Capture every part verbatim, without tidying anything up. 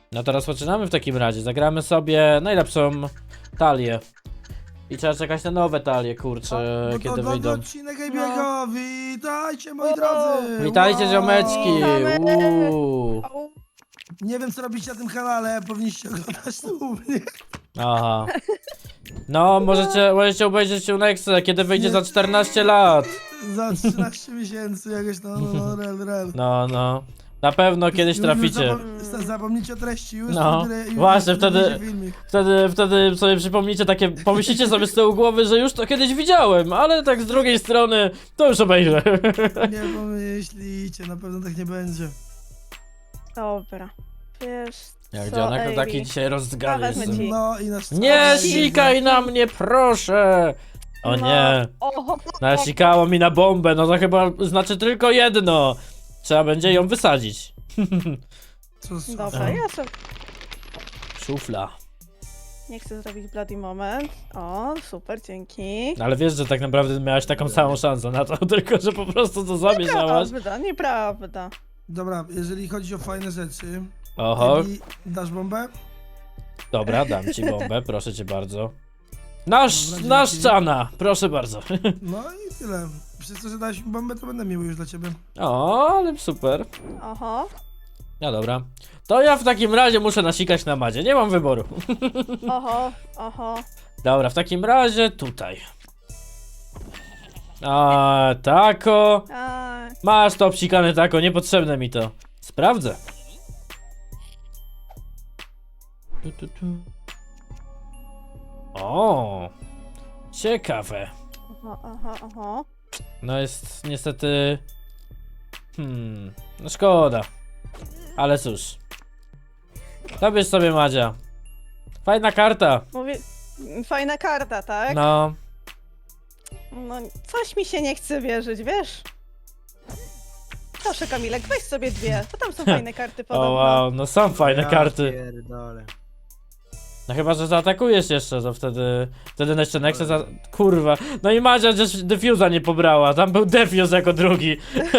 No to rozpoczynamy w takim razie. Zagramy sobie najlepszą talię. I trzeba czekać na nowe talie, kurczę, No kiedy to wyjdą. odcinek Ejbiego, witajcie moi drodzy! Witajcie, Wow. ziomeczki! Uuu. Nie wiem co robicie na tym kanale, powinniście oglądać to u mnie. Aha. No, możecie, możecie obejrzeć u Nexe, kiedy wyjdzie za czternaście lat. Za trzynaście miesięcy jakoś, no, no, no, rel, rel. No, no. Na pewno kiedyś Już- już traficie. zapom- Zapomnijcie o treści, już No, wtedy- już właśnie, wtedy wtedy- będzie filmik. Wtedy, wtedy sobie przypomnicie takie, pomyślicie sobie z tyłu głowy, że już to kiedyś widziałem, ale tak z drugiej strony, to już obejrzę. Nie pomyślicie, na pewno tak nie będzie. Dobra. Wiesz Jak co, dzionek to Ejbi? taki dzisiaj rozdgany Wezmę jestem. ci. No i nasz Nie czas. sikaj na mnie, proszę! O No. nie, O, nasikało mi na bombę, no to chyba znaczy tylko jedno. Trzeba będzie ją wysadzić. Co, co? dobra, ja sobie Szufla. nie chcę zrobić bloody moment. O, super, dzięki. Ale wiesz, że tak naprawdę miałaś taką samą szansę na to, tylko że po prostu to zamieszałaś. Nieprawda, nieprawda. Dobra, jeżeli chodzi o fajne rzeczy, Oho, Ebi, dasz bombę? dobra, dam ci bombę, proszę cię bardzo. Nasz, Dobra, nasz dzięki. czana, proszę bardzo. No i tyle. Przez to, że dałeś mi bombę, to będę miły już dla ciebie. O, ale super. Oho, No dobra. To ja w takim razie muszę nasikać na Madzie, nie mam wyboru. oho, oho. Dobra, w takim razie tutaj. A, tako. A, Masz to obsikane tako, niepotrzebne mi to. Sprawdzę. Tu, tu, tu. O, ciekawe. oho, oho, oho. No jest niestety... Hmm, no szkoda. Ale cóż. Zabierz sobie, Madzia. Fajna karta. Mówię, fajna karta, tak? No, No, coś mi się nie chce wierzyć, wiesz? Proszę, Kamilek, weź sobie dwie. To tam są fajne karty o podobno. wow, no są fajne Ja karty. pierdolę. No chyba, że zaatakujesz jeszcze, to wtedy... Wtedy jeszcze Nexe za... Kurwa. No i Madzia też Defusa nie pobrała, tam był Defuse jako drugi.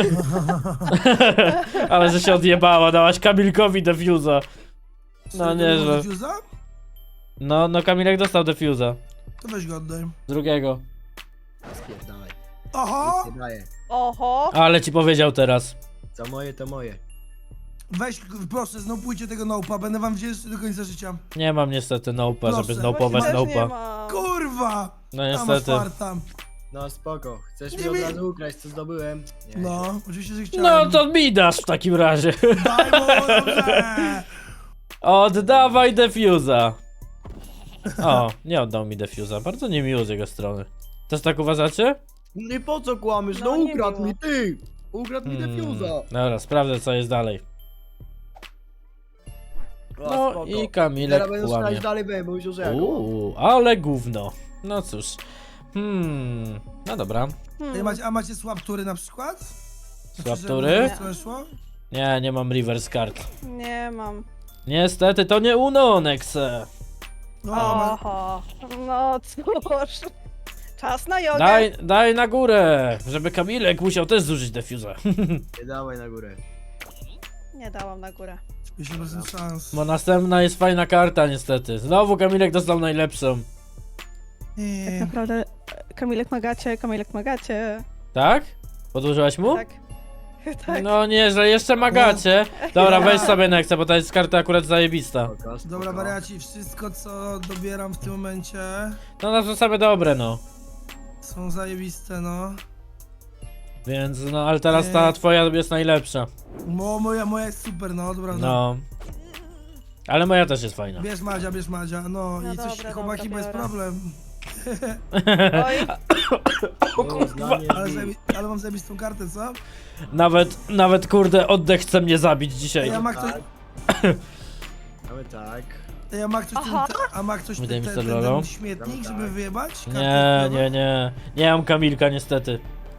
Ale że się odjebała, dałaś Kamilkowi Defusa. No Co, nieźle. Defusa? No, no Kamilek dostał Defusa. To weź go oddaj. Drugiego. Spierdalaj. Oho! Nic nie daję. Oho, Ale ci powiedział teraz. Co moje, to moje. Weź, proszę, znopujcie tego nopa, będę wam wdzięczny do końca życia. Nie mam niestety nopa, żeby Proszę. znopować też nie nopa. mam. Kurwa! No Tam masz niestety. farta. No spoko. Chcesz Nie mi od mi- razu ukraść, co zdobyłem? Nie. No, oczywiście, że No chciałem. to mi dasz w takim razie. Daj mu, dobrze! Oddawaj Defusa. O, nie oddał mi Defusa. Bardzo niemiło z jego strony. Też tak uważacie? No i po co kłamiesz? No, No, nie ukradł miło. mi, ty! Ukradł mi Hmm. defuza. Dobra, sprawdzę co jest dalej. O, No spoko. i Kamilek Teraz będę kłamie. strzelać dalej, bo już że Uuu, ale gówno. No cóż. Hmm, no dobra. Ej, Hmm. macie, a macie słabtury na przykład? Słabtury? Znaczy, że weszło? Nie, nie mam reverse card. Nie mam. Niestety to nie Uno, Nexe. No, ma... Oho, no cóż. Czas na jogę. Daj, daj na górę, żeby Kamilek musiał też zużyć Defusa. Nie dawaj na górę. Nie dałam na górę. pięćdziesiąt procent szans. Bo następna jest fajna karta niestety. Znowu Kamilek dostał najlepszą. Nie. Naprawdę, Kamilek magacie, Kamilek magacie. Tak? Podłożyłaś mu? Tak. Tak. No nieźle, jeszcze magacie. Dobra, weź sobie Nexe, bo to jest karta akurat zajebista. Spoko, spoko. Dobra, wariaci, wszystko co dobieram w tym momencie No na to same dobre, no. są zajebiste, no. Więc, no, ale teraz ta Nie. twoja jest najlepsza. Mo, moja, moja jest super, no, dobra. No. No. Ale moja też jest fajna. Bierz Madzia, bierz Madzia, no, No i coś, dobra, chłopaki, dobra, bez biorę. problem. Oj, No, zdanie Ale, mi- zajebi- ale mam zajebistą kartę, co? Nawet, nawet kurde, oddech chce mnie zabić dzisiaj. Ej, a ma ktoś, Tak. Mamy tak. ej, a ma ktoś, ten, Aha. te, a ma ktoś ten, Wydaj mi ten, sobie ten, lolo. ten śmietnik, żeby Tak. wyjebać? Kartę Nie, wpływa? nie, nie. Nie mam Kamilka niestety.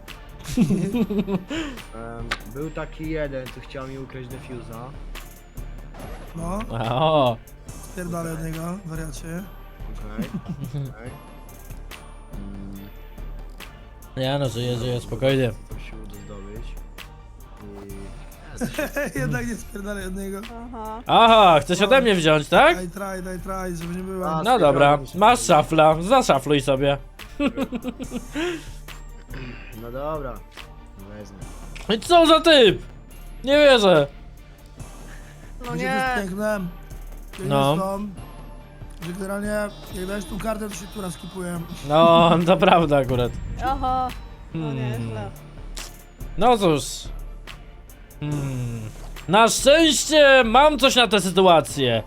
Um, był taki jeden, co chciał mi ukraść defuza. No, O, spierdolę od niego, wariacie. Okej. Okay. Mm, ja no żyję, żyję, spokojnie. to się uda zdobyć. I... Jednak nie spierdalaj od niego. Aha. Aha, chcesz ode mnie wziąć, tak? Daj, try, daj, try, żeby nie było. A, No dobra, spierdolę się. masz szafla, zaszafluj sobie. No dobra. Wezmę. I co za typ? Nie wierzę. No Będzie nie. piękne. No. No. Że generalnie, jak dajesz tą kartę, to się która skipuje. No, to prawda akurat. Aha. No Hmm. nieźle. No cóż. Hmm. Na szczęście mam coś na tę sytuację.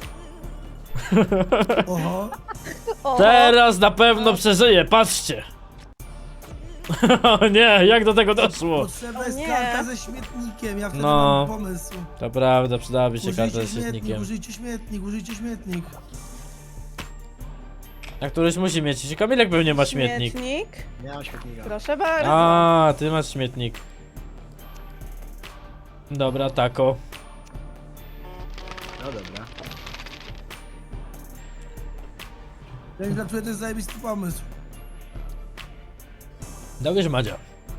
Oho. Oho. Teraz na pewno przeżyję, patrzcie. O nie, jak do tego doszło? Potrzebna O jest nie. karta ze śmietnikiem, ja wtedy No. mam pomysł. To prawda, przydałaby się Użyjcie karta ze śmietnik, świetnikiem. użyjcie śmietnik, użyjcie śmietnik. A któryś musi mieć. Kamilek pewnie ma śmietnik. Śmietnik. Nie mam świetnika. Proszę bardzo. A, ty masz śmietnik. Dobra, tako. No dobra. Więc dla mnie to jest zajebisty pomysł. Dobierz Madzia.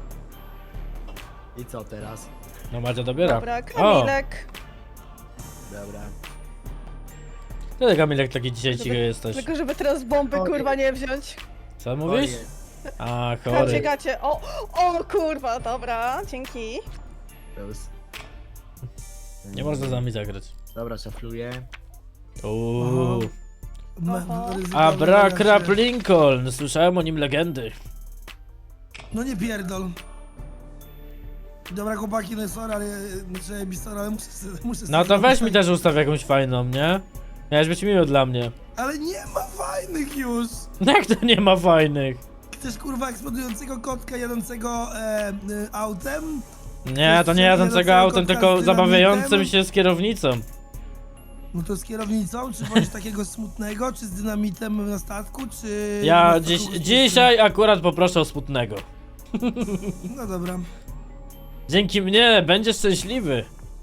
I co teraz? No Madzia dobiera. Dobra, O, Kamilek. Dobra. ty Kamilek taki dzisiaj Żeby- cichy jesteś. Tylko żeby teraz bomby Ojej. kurwa nie wziąć. Co mówisz? Ojej. A, Gacie, chory. gacie. O, o kurwa, dobra, dzięki. Plus. Nie można z nami zagrać. Dobra, szafluję. Uuu. Me- Oho. ryzyko Abrakrap wydaje się. Lincoln. Słyszałem o nim legendy. No nie pierdol. Dobra chłopaki, no sorry, ale znaczy bistor, ale muszę, muszę No sobie to weź zrobić mi też ustaw jakąś fajną, nie? Miałeś być miły dla mnie. Ale nie ma fajnych już! Jak to nie ma fajnych? Chcesz kurwa eksplodującego kotka jadącego e, e, autem? Nie, to nie jadącego autem, tylko zabawiającym się z kierownicą. No to z kierownicą, czy bądź takiego smutnego, czy z dynamitem na statku, czy... Ja na dziś, statku dzisiaj akurat poproszę o smutnego. No dobra. Dzięki mnie będziesz szczęśliwy.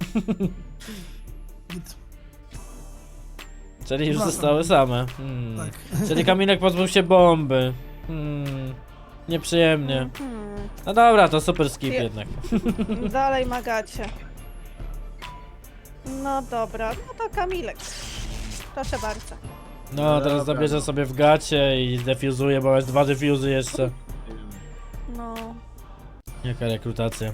Git. Czyli już Dobra. zostały same. Hmm. Tak. Czyli Kamilek pozbył się bomby. Hmm. Nieprzyjemnie. Hmm. No dobra, to super skip Je- jednak. Dalej magacie. No dobra, no to Kamilek. Proszę bardzo. No, teraz Dobra, zabierze no. sobie w gacie i defuzuje, bo jest dwa defuzy jeszcze. No. Jaka rekrutacja.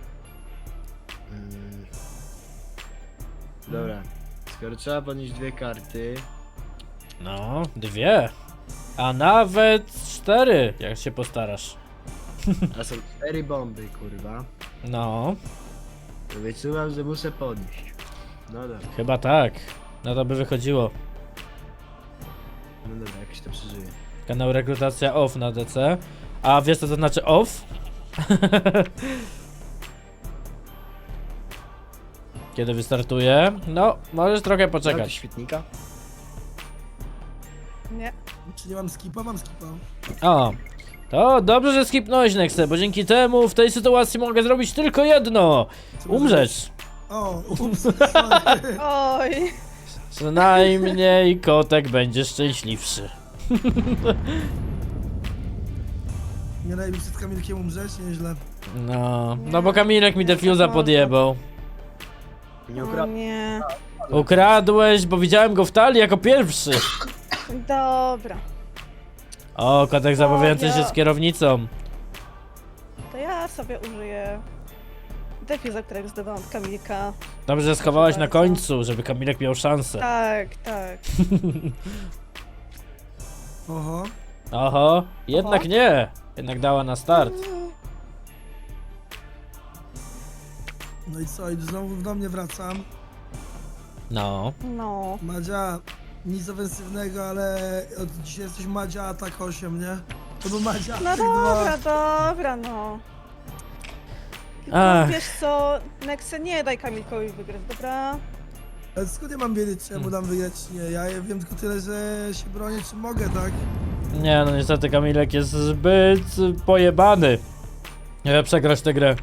Mm. Dobra. Skoro trzeba podnieść dwie karty. No, dwie. A nawet cztery, jak się postarasz. A są cztery bomby, kurwa. No, To wyczuwam, że muszę podnieść. No dobra. chyba tak. No to by wychodziło. No dobra, jakoś to przeżyję. Kanał rekrutacja off na D C. A wiesz co to znaczy off? Kiedy wystartuje? No, możesz trochę Mam poczekać. świetnika? Nie. Czy nie mam skipa? Mam skipa. O, to dobrze, że skipnąłeś Nexę, bo dzięki temu w tej sytuacji mogę zrobić tylko jedno. Umrzeć. O, ups, sorry. Oj. Przynajmniej kotek będzie szczęśliwszy. Nie daj mi przed Kamilkiem umrzeć, nieźle. No, no bo Kamilek mi defuza podjebał. Nie O ukradł. nie. Ukradłeś, bo widziałem go w talii jako pierwszy. Dobra. O, kotek zabawiający się z kierownicą. To ja sobie użyję defuza, którego zdobałam od Kamilka. Dobrze, że schowałaś na bardzo. końcu, żeby Kamilek miał szansę. Tak, tak. Oho. Oho, jednak Oho. nie. Jednak dała na start. No i co, i znowu do mnie wracam. No. No. Madzia, nic ofensywnego, ale od dzisiaj jesteś Madzia atak osiem, nie? To był Madzia No atak dobra, dwa. dobra, no. Tylko Ach. wiesz co, Nexe, nie daj Kamilkowi wygrać, dobra? Ale skąd ja mam wiedzieć, czy ja mu dam wygrać, czy nie? Ja wiem tylko tyle, że się bronię, czy mogę, tak? Nie, no niestety Kamilek jest zbyt pojebany. Nie przegrać tę grę.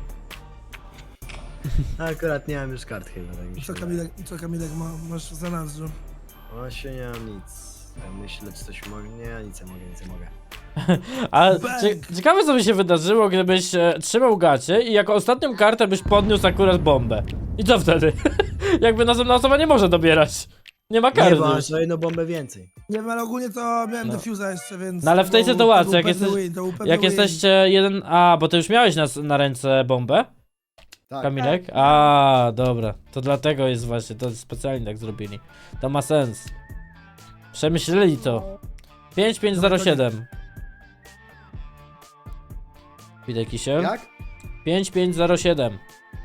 Akurat nie mam już kart chyba, tak mi I się co wydaje. Kamilek, i co Kamilek ma, masz za nadrzu? Właśnie nie mam nic. Ja myślę, czy coś mogę. Nie, nic nie mogę, nic nie mogę. A Bang. cie, ciekawe co by się wydarzyło, gdybyś e, trzymał gacie i jako ostatnią kartę byś podniósł akurat bombę. I co wtedy? Jakby następna osoba nie może dobierać. Nie ma Nie, karty. bo masz o jedną bombę więcej. Nie wiem, ale ogólnie to miałem No. defuza jeszcze, więc... No ale w tej to był- sytuacji, to był jak pewny jesteś- win, to był pewny Jak win. jesteście jeden... A, bo ty już miałeś na, na ręce bombę? Tak. Kamilek? A, dobra. To dlatego jest właśnie, to specjalnie tak zrobili. To ma sens. Przemyśleli to. pięć pięć zero siedem. Widać kisiel? Jak? pięć pięć zero siedem.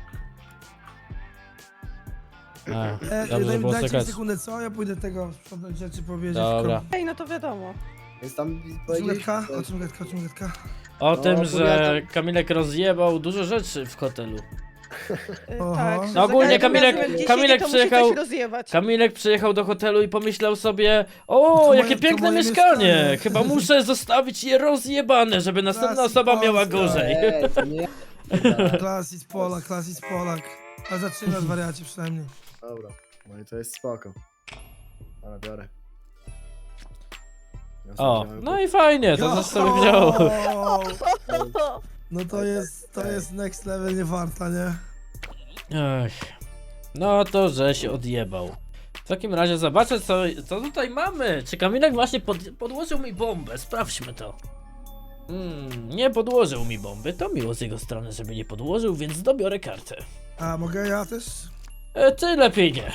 A, E, dobrze, że daj, było dajcie mi słychać. sekundę, co? Ja pójdę tego sprzątać rzeczy powiedzieć. Dobra. Ej, no to wiadomo. Jest tam O czym powiedzieć... gadka? O czym gadka? O czym gadka? O No, tym, że opowiadam. Kamilek rozjebał dużo rzeczy w hotelu. Y, Oho. Tak, że No ogólnie za każdym Kamilek- razem, jak gdzieś Kamilek jedzie, to musi przyjechał- coś rozjebać. Kamilek przyjechał do hotelu i pomyślał sobie: o, To jakie moje- to piękne moje mieszkanie! mieszkanie. Chyba muszę zostawić je rozjebane, żeby następna Klasy osoba miała Polska. gorzej. Eee, to nie ja. Klasis Polak, klasis Polak. Ale zaczynasz wariacie przynajmniej. Dobra, no i to jest spoko. Ale biorę. Ja sobie O, wziąłem no i fajnie, to też sobie wziął. No to jest, to jest next level nie warta, nie? Ech. No to, że się odjebał. W takim razie zobaczę, co, co tutaj mamy. Czy Kamilek właśnie pod, podłożył mi bombę? Sprawdźmy to. Mm, nie podłożył mi bomby. To miło z jego strony, żeby nie podłożył, więc dobiorę kartę. A mogę ja też? E, ty lepiej nie.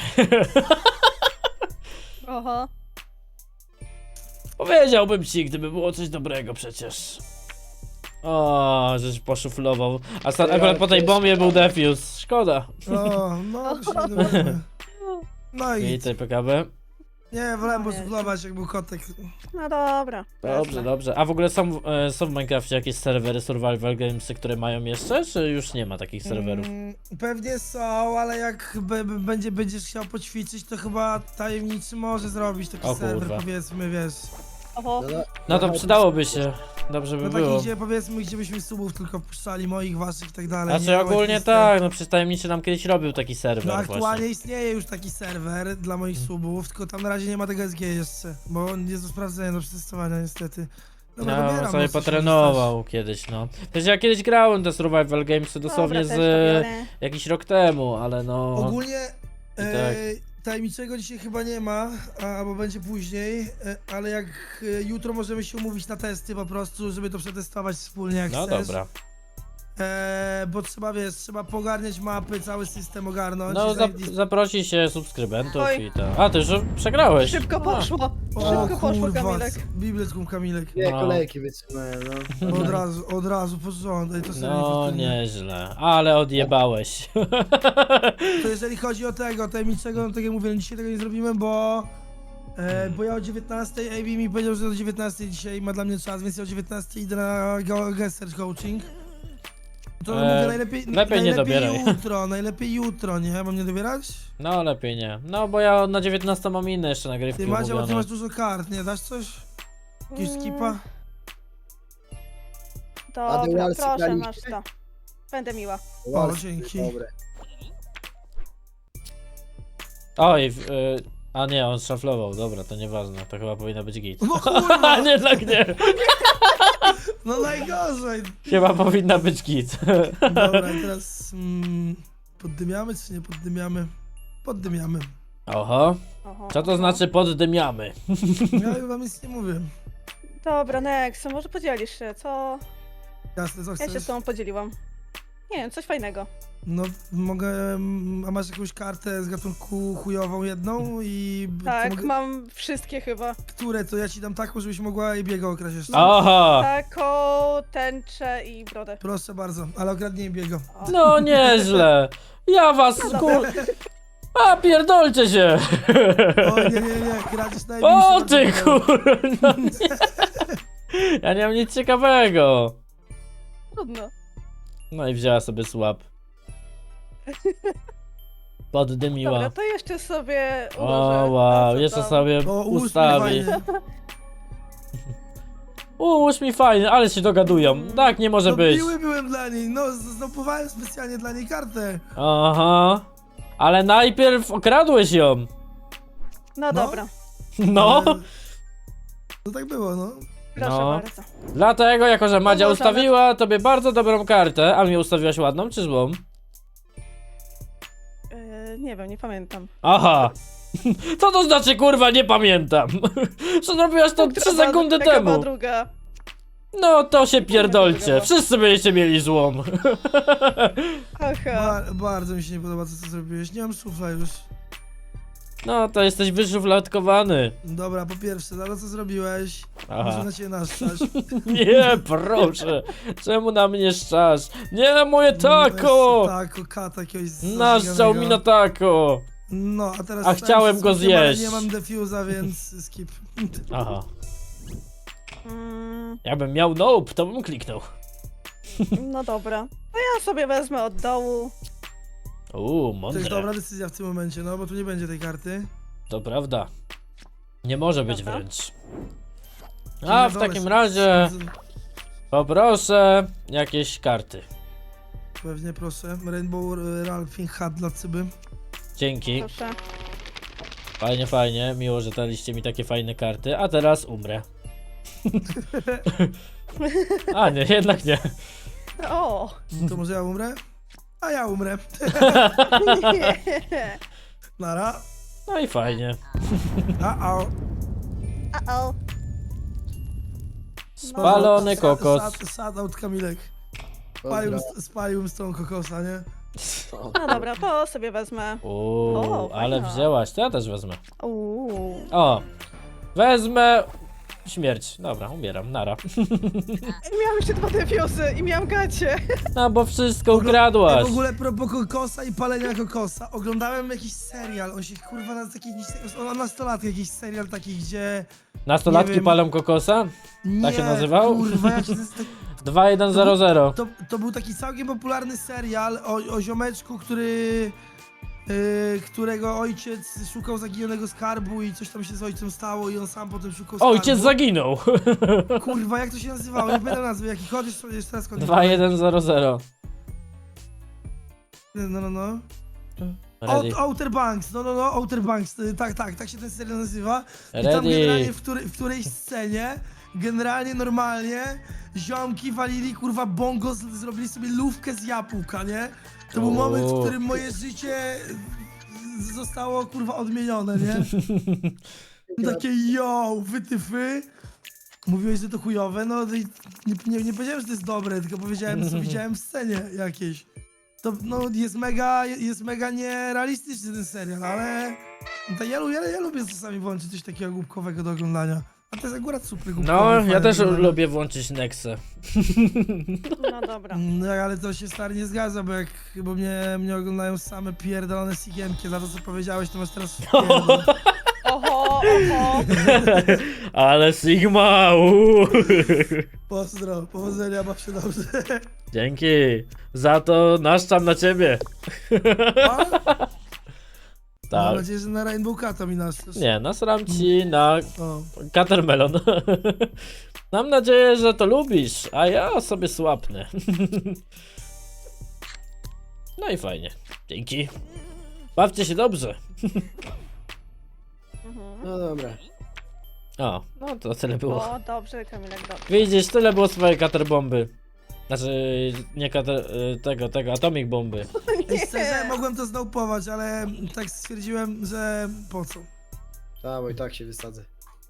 Oho. Powiedziałbym ci, gdyby było coś dobrego przecież. O, żeś poszuflował. A sta- akurat po tej bombie był defuse. Szkoda. O, no to się nie dowiemy. No I i tutaj P K B. nie, wolałem posuflować jak był kotek. No dobra. Dobrze, jasne. dobrze. A w ogóle są, e, są w Minecrafcie jakieś serwery survival gamesy, które mają jeszcze, czy już nie ma takich serwerów? Mm, pewnie są, ale jak be, be, będzie, będziesz chciał poćwiczyć, to chyba tajemniczy może zrobić taki O serwer, kurwa. powiedzmy, wiesz. Oho. No, no, No to no, przydałoby się. Dobrze by No było. taki, gdzie powiedzmy, gdzie byśmy subów tylko wpuszczali, moich, waszych i tak dalej. Znaczy nie? ogólnie Łatwiste. tak, no przecież tajemniczy nam kiedyś robił taki No serwer aktualnie właśnie. istnieje już taki serwer dla moich subów, tylko tam na razie nie ma tego S G jeszcze, bo on jest do sprawdzenia, do przetestowania niestety. Dobra, No, dobieram, sobie no, co się potrenował kiedyś, no. Przecież ja kiedyś grałem te survival gamesy dosłownie Dobra, z też to e, biorę. jakiś rok temu, ale no... Ogólnie I e, tak. tajemniczego dzisiaj chyba nie ma, a, albo będzie później, e, ale jak e, jutro możemy się umówić na testy po prostu, żeby to przetestować wspólnie jak No chcesz. dobra. E, bo trzeba, wiesz, trzeba pogarniać mapy, cały system ogarnąć. No i zap zajebis- zaprosi się subskrybentów Oj. i tak. A, ty już przegrałeś. Szybko A. poszło. O Szybko poszło, kurwa, Kamilek. bibletkum Kamilek. Dwie No. kolejki wytrzymałem, no. Od razu, od razu, porządek, to sobie No niefortunnie. nieźle, ale odjebałeś. To jeżeli chodzi o tego tajemniczego, no tak jak mówię, no dzisiaj tego nie zrobimy, bo... E, bo ja o dziewiętnastej, A B mi powiedział, że o dziewiętnastej dzisiaj ma dla mnie czas, więc ja o dziewiętnastej idę na go- guest search coaching. To E, mówię najlepiej, lepiej nie najlepiej dobieraj. jutro, najlepiej jutro, nie? Mam nie dobierać? No lepiej nie. No bo ja na dziewiętnastą mam inne jeszcze nagrywki Ty Macie, bo ty umówione. masz dużo kart, nie? Dasz coś? Jakieś Mm, skipa? Dobra, Walsy proszę, graliście? masz to. Będę miła. O, dzięki. Dobre. Oj, w- y, a nie, on szaflował, dobra, to nieważne, to chyba powinno być git. No kurwa! nie, tak nie. No najgorzej! Chyba powinna być git. Dobra, i teraz... Mm, poddymiamy czy nie poddymiamy? Poddymiamy. Oho, Oho, co to oho. znaczy poddymiamy? Ja wam nic nie mówię. Dobra, Nex, może podzielisz się, co? Jasne, co Ja się chcesz? z tobą podzieliłam. Nie wiem, coś fajnego. No, mogę... mm, A masz jakąś kartę z gatunku chujową jedną i... to Tak, mogę, mam wszystkie chyba. Które? To ja ci dam taką, żebyś mogła i biego okraść jeszcze. Oho, Taką, tęczę i brodę. Proszę bardzo, ale okradnij biego. O. no nieźle. Ja was kur... A pierdolcie się! O nie, nie, nie, kradzisz najbliższe. O bardzo ty podobne. kur... No nie. Ja nie mam nic ciekawego. Trudno. No i wzięła sobie słab. Poddymiła. Dobra, to jeszcze sobie O ułożę. wow, to, co jeszcze tam. sobie O, ułóż mi ustawi. fajnie. Ułóż mi fajnie, ale się dogadują. Tak nie może No być. miły byłem dla niej, no z- zdopowałem specjalnie dla niej kartę. Aha. Ale najpierw okradłeś ją. No No. dobra. No. Ale... No tak było, no. Proszę No. bardzo. Dlatego, jako że Madzia No, może, ale- ustawiła tobie bardzo dobrą kartę, a mi ustawiłaś ładną czy złą? Yy, nie wiem, nie pamiętam. Aha. Co to znaczy, kurwa, nie pamiętam? Co zrobiłaś to Która trzy była- sekundy jaka była temu? druga? No to się druga pierdolcie. była? Wszyscy będziecie mieli złą. Aha. Ba bardzo mi się nie podoba to, co zrobiłeś. Nie mam słów już. No to jesteś wyszufladkowany. Dobra, po pierwsze, za to, co zrobiłeś, Aha. muszę na ciebie naszczać. Nie, proszę. Czemu na mnie szczasz? Nie, moje tako! Tako, kata jakiegoś Naszczał mi na tako. No, a teraz... A stałem chciałem się go smokiem, ale zjeść. Nie mam defuza, więc skip. Aha. Mm, Jakbym miał nope, to bym kliknął. no dobra. To ja sobie wezmę od dołu. Uuu, To mądre. jest dobra decyzja w tym momencie, no, bo tu nie będzie tej karty. To prawda. Nie może być Prawda? wręcz. Na A w dole takim są- razie są- poproszę jakieś karty. Pewnie, proszę. Rainbow Ralphing Hat dla Cyby. Dzięki. Proszę. Fajnie, fajnie. Miło, że daliście mi takie fajne karty. A teraz umrę. A nie, jednak nie. O! To może ja umrę? A ja umrę. Nie. Nara. No i fajnie. A, a. Uh-oh. Spalony kokos. Sad, sad out Kamilek. Spalił, spalił z tą kokosa, nie? No dobra, to sobie wezmę. Uuu, O, ale fajna. wzięłaś, to ja też wezmę. Uuu. O, wezmę śmierć. Dobra, umieram, nara. Miałam jeszcze dwa defiosy i miałam gacie. No bo wszystko Ja ukradłaś. w ogóle propos kokosa i palenia kokosa. Oglądałem jakiś serial, on się kurwa na taki jakiś, on nastolatki jakiś serial taki, gdzie... Nastolatki nie wiem. palą kokosa? Nie, się nazywał? Kurwa, jak się... To, dwa jeden zero zero. to, to był taki całkiem popularny serial o, o ziomeczku, który... Yy, którego ojciec szukał zaginionego skarbu i coś tam się z ojcem stało i on sam potem szukał skarbu. Ojciec zaginął. Kurwa, jak to się nazywało? Nie pamiętam nazwy, jaki chodzisz sobie jeszcze raz chodzi. dwa jeden zero zero. No, no, no. Ready. Out, Outer Banks, no, no, no, Outer Banks, y, tak, tak, tak się ten serial nazywa. I tam Ready. generalnie w, której, w którejś scenie, generalnie normalnie, ziomki walili, kurwa, bongo, z, zrobili sobie lówkę z jabłka, nie? To był O. moment, w którym moje życie z- zostało, kurwa, odmienione, nie? Takie yo, wytyfy. Mówiłeś, że to chujowe, no i nie, nie, nie powiedziałem, że to jest dobre, tylko powiedziałem, co widziałem w scenie jakiejś. To no, jest mega, jest mega nierealistyczny ten serial, ale to ja, lubię, ja lubię czasami włączyć coś takiego głupkowego do oglądania. A to jest akurat super głupkowe. No, fajne ja też do oglądania. lubię włączyć Nexę. No dobra. No, ale to się stary nie zgadza, bo jak bo mnie, mnie oglądają same pierdolone sigiemki, za to co powiedziałeś, to masz teraz pierdol. Oho, oho. Ale Sigma! uuu. Pozdro, powodzenia, baw się dobrze. Dzięki. Za to naszczam na ciebie. A? Mam Tak. nadzieję, że na Rainbow Cata mi nastasz. Nie, nasram ci na O. Catermelon. Mam nadzieję, że to lubisz, a ja sobie słapnę. No i fajnie. Dzięki. Bawcie się dobrze. Mhm. No dobra. O, no to tyle było. O, dobrze, Kamilek, dobrze. Widzisz, tyle było swojej katerbomby. Znaczy, nie kater... y, tego, tego, atomic bomby. Ej, szczerze, mogłem to znałpować, ale tak stwierdziłem, że po co? Tak, bo i tak się wysadzę.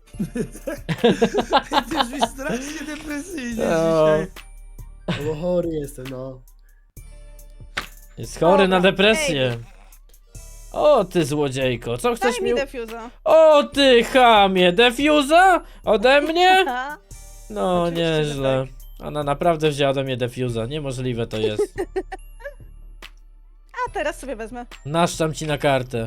Ty już mi strasznie depresyjnie No. dzisiaj. No bo chory jestem, no. Jest chory na Dobra, depresję. O ty złodziejko, co chcesz Daj mi... mi defuza. O ty chamie, defuza? Ode mnie? Aha. No Oczywiście, że nieźle. Ona naprawdę wzięła ode mnie defuza, niemożliwe to jest. A teraz sobie wezmę. Naszczam ci na kartę.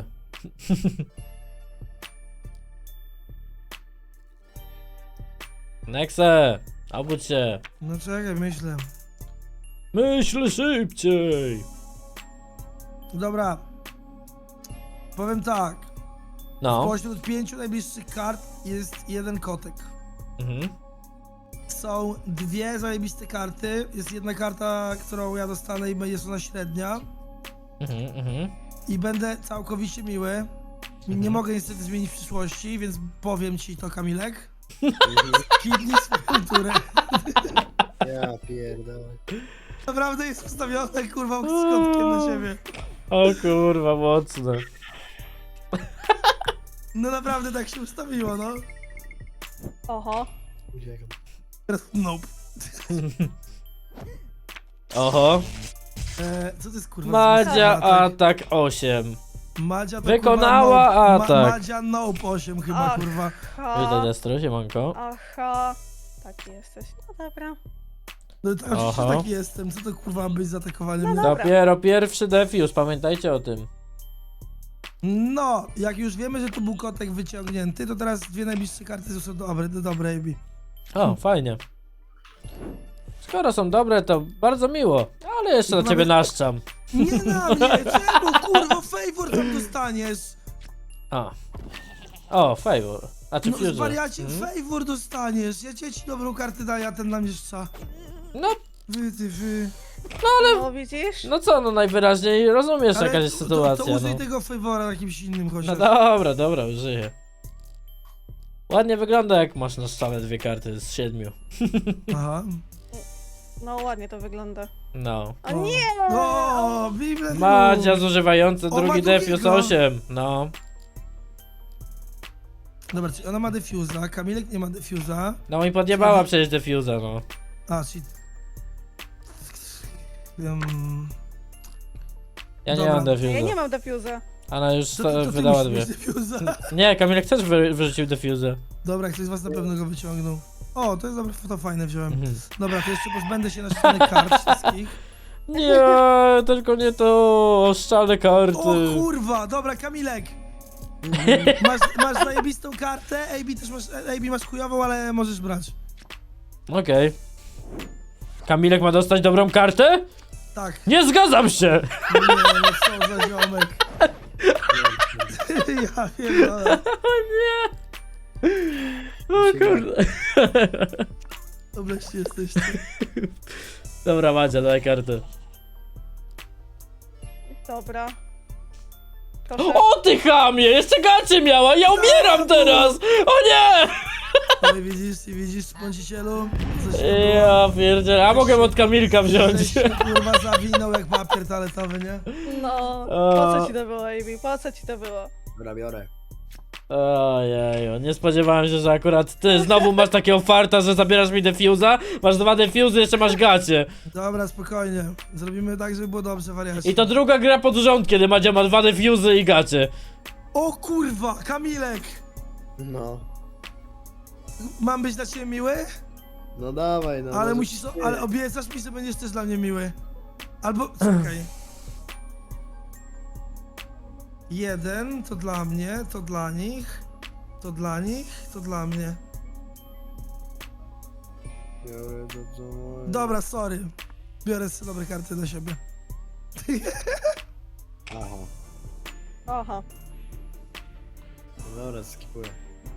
Nexe, obudź się. No czekaj, myślę. Myśl szybciej. Dobra. Powiem tak. No. Spośród pięciu najbliższych kart jest jeden kotek. Mhm. Są dwie zajebiste karty. Jest jedna karta, którą ja dostanę i jest ona średnia. Mhm, mhm. I będę całkowicie miły. Nie Mhm. mogę niestety zmienić w przyszłości, więc powiem ci to, Kamilek. Kidnij swoją turę. Ja pierdolę. Naprawdę jest ustawione, kurwa, z kątkiem na siebie. O kurwa, mocne. No naprawdę tak się ustawiło, no. Oho. Uciekam. Teraz nope. Oho. E, co to jest kurwa? Madzia za atak osiem. Madzia to Wykonała kurwa, nope. atak. Madzia nope osiem chyba, Ach. kurwa. Witaj, Ha. Destro, siemanko. Aha. Taki jesteś. No dobra. No to oczywiście Aha. taki jestem, co to kurwa ma być z atakowaniem? No mnie? dobra. Dopiero pierwszy defuse, pamiętajcie o tym. No, jak już wiemy, że to był kotek wyciągnięty, to teraz dwie najbliższe karty są dobre, do dobre, Amy. O, fajnie. Skoro są dobre, to bardzo miło. Ale jeszcze na Nawet- ciebie naszczam. Nie na mnie, czemu kurwa, favor tam dostaniesz? A. O, favor. A czy No fuse? wariacie, Mhm. favor dostaniesz, ja cię ci dobrą kartę daję, a ten na mnie szcza. No, Wy, ty, wy. No widzisz? no co, no najwyraźniej rozumiesz Ale jaka jest to- sytuacja, To, to użyj no. tego favora na kimś innym No chociaż. dobra, dobra, użyję. Ładnie wygląda, jak masz na stole dwie karty z siedmiu. Aha. No ładnie to wygląda. No. O nie! O, Bible. Madzia zużywający O, ma drugi defuse drugiego. osiem. No. Dobra, czyli ona ma defuza, Kamilek nie ma defuza. No i podjebała przecież defusa, no. A, czyli... Um, Ja nie Dobra. mam defusa. Ja nie mam defuza. Ona już to, to, to ty wydała musisz dwie. mieć defuza. Nie, Kamilek też wy, wyrzucił defusę. Dobra, ktoś z was na pewno go wyciągnął. O, to jest dobre, to fajne wziąłem. Mhm. Dobra, to jeszcze pozbędę się naszczonych kart wszystkich. Nie, tylko nie to oszczane karty. O kurwa, dobra, Kamilek. Masz, masz zajebistą kartę, A B też masz, A B masz chujową, ale możesz brać. Okej. Kamilek ma dostać dobrą kartę? Tak. Nie zgadzam się! Nie, no co za ziomek. Ja pierdolę. O kurde. Dobreście jesteście. Dobra, Madzia, daj kartę. Dobra. Proszę. O ty chamie! Jeszcze gacie miała! Ja umieram teraz! O nie! Ale widzisz, i widzisz, bądźcielu? Coś się było. Ja pierdzielę, a mogę od Kamilka wziąć. Żeś się, kurwa zawinął jak papier toaletowy, nie? No. O. Po co ci to było, Amy? Po co ci to było? Dobra, biorę. Ojeju, nie spodziewałem się, że akurat ty znowu masz takiego farta, że zabierasz mi defuza, masz dwa defuzy, jeszcze masz gacie. Dobra, spokojnie. Zrobimy tak, żeby było dobrze, wariacie. I to druga gra pod rząd, kiedy Madzia ma dwa defuzy i gacie. O kurwa, Kamilek! No. Mam być dla ciebie miły? No dawaj, no. Ale może- musisz, ale obiecasz mi, że będziesz też dla mnie miły. Albo, czekaj. Jeden, to dla mnie, to dla nich, to dla nich, to dla mnie. Biorę to, co moje. Dobra, sorry. Biorę sobie dobre karty dla siebie. Aha. Aha. No dobra, skipuję.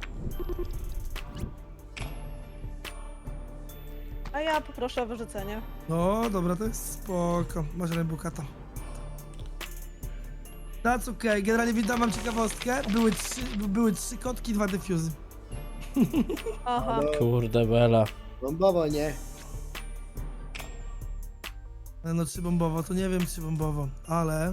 A ja poproszę o wyrzucenie. No, dobra, to jest spoko. Masz Rebukata. That's okej, generalnie witam wam ciekawostkę. Były trzy, były trzy kotki, dwa defuzy. Aha. No, Kurde bela. bombowo, nie? E, No trzy bombowo, to nie wiem trzy bombowo, ale...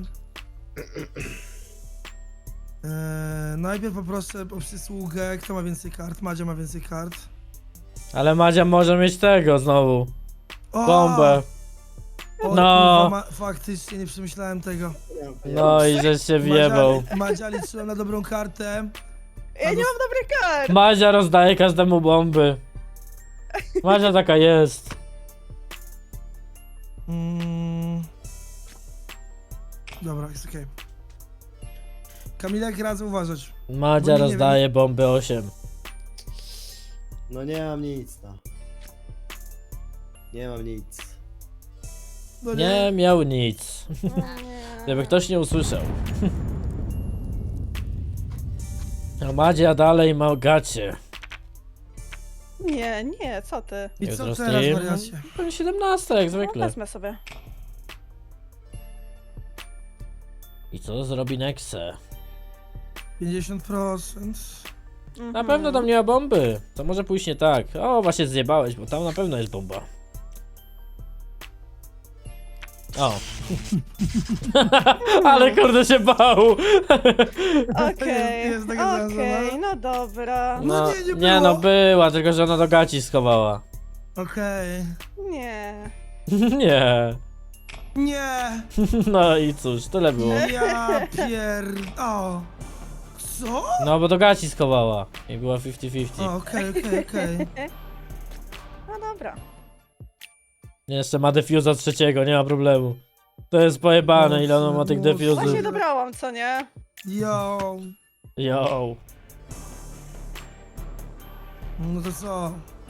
Eee, najpierw poproszę o przysługę, kto ma więcej kart? Madzia ma więcej kart. Ale Madzia może mieć tego znowu. O! Bombę. O, No. kurwa, ma, faktycznie nie przemyślałem tego. No i żeś się wjebał. Madzia, Madzia liczyłem na dobrą kartę. Ja nie mam dobrych kart! Madzia rozdaje każdemu bomby. Madzia taka jest. Mm. Dobra, jest okej. Kamilek, radzę uważać. Madzia Bo nie rozdaje bomby osiem. No nie mam nic, no. Nie mam nic. No Nie miał nic. Nie. Gdyby ktoś nie usłyszał. A Madzia dalej ma gacie. Nie, nie, co ty? I co Jutro teraz, stream? wariacie? Pewnie siedemnaście jak No, zwykle. wezmę sobie. I co zrobi Nexe? pięćdziesiąt procent. Mhm. Na pewno tam nie ma bomby. To może pójść nie tak. O, właśnie zjebałeś, bo tam na pewno jest bomba. O. Ale kurde się bał. Okej, Jest taka szansa, okej, no. no dobra. No No, nie, nie nie no, było. była, tylko że ona do gaci schowała. Okej. Nie. Nie. Nie! No i cóż, tyle było. Ja pier... O! Co? No bo do gaci schowała. I była fifty fifty. O, okej, okej, okej. No dobra. Jeszcze ma defuza trzeciego, nie ma problemu. To jest pojebane, ile ona ma tych Boże. defuzów. Właśnie dobrałam, co nie? Yo! Yo. No to co?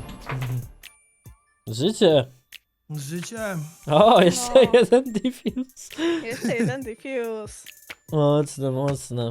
Życie. Życie? O, jeszcze No. jeden defuse. Jeszcze jeden diffuse. Mocne, mocne.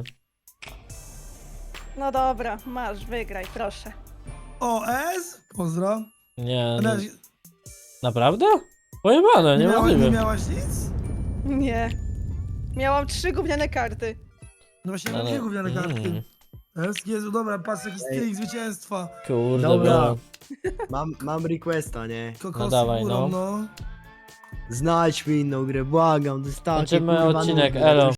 No dobra, masz, wygraj, proszę. O, S? Pozdro. Nie, Na, no, naprawdę? Pojebane, nie, miała, nie niemożliwe. miałaś nic? Nie. Miałam trzy gówniane karty. No właśnie, ja Ale- mam dwie gówniane kartki. mm, S? Jezu, dobra, patrz jaki Ej. styk zwycięstwa. Kurde, Dobra. bro. Mam, mam requesta, nie? Kokosy No dawaj, górą, no. no. Znajdź mi inną grę, błagam, to jest takie Kończymy kurwa odcinek, nudne. elo.